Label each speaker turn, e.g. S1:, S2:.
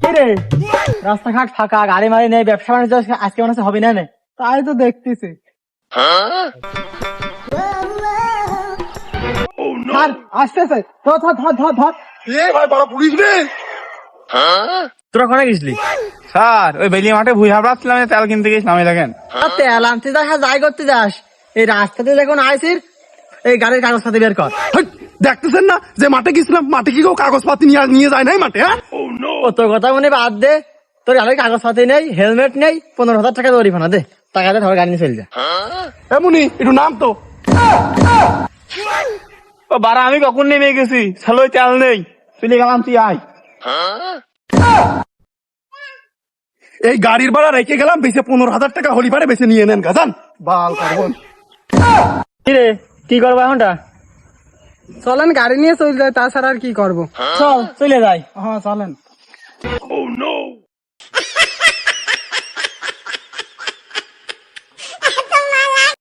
S1: রে রাস্তাঘাট ফাঁকা, গাড়ি মারি নেই, ব্যবসা বাণিজ্য আজকে মনে হচ্ছে হবে না। তাই তো দেখতেছি। আসতেছে, ধর ধর ধর ধর ধর।
S2: ভাই বড় পুলিশ রে।
S1: তোরা কোথায় গেছিলি?
S3: স্যার ওই বেলি মাঠে ভুই হাবড়াচ্ছিলাম, তেল কিনতে গেছিলাম। এই দেখেন
S1: তেল আনতে যাস আর যাই করতে যাস, এই রাস্তাতে যখন আইসির এই গাড়ির কাগজপাতি বের কর।
S2: দেখতেছেন না যে মাঠে গেছিলাম, মাঠে কি কেউ কাগজপাতি নিয়ে যায় নাই মাঠে? হ্যাঁ
S1: ও তোর কথা মনে বাদ দে, তোর গাড়ির কাগজপাতি নেই, হেলমেট নেই, 15,000 টাকা জরিমানা দে, টাকা দিয়ে ধর গাড়ি নিয়ে চলে যা।
S2: এমনি একটু নাম তো।
S3: ও বারা, আমি কখন নেমে গেছি, সালো তেল নেই, চলে গেলাম, তুই আয়।
S2: এই গাড়ির ভাড়া রেখে গেলাম, বেশি 15,000 টাকা হলি পারে বেশি নিয়ে নেন গাজান বাল কার্বন।
S1: কিরে কি করবো এখনটা?
S4: চলেন গাড়ি নিয়ে চলে যায়, তাছাড়া আর কি করবো।
S1: চল চলে যাই।
S4: হ্যাঁ চলেন।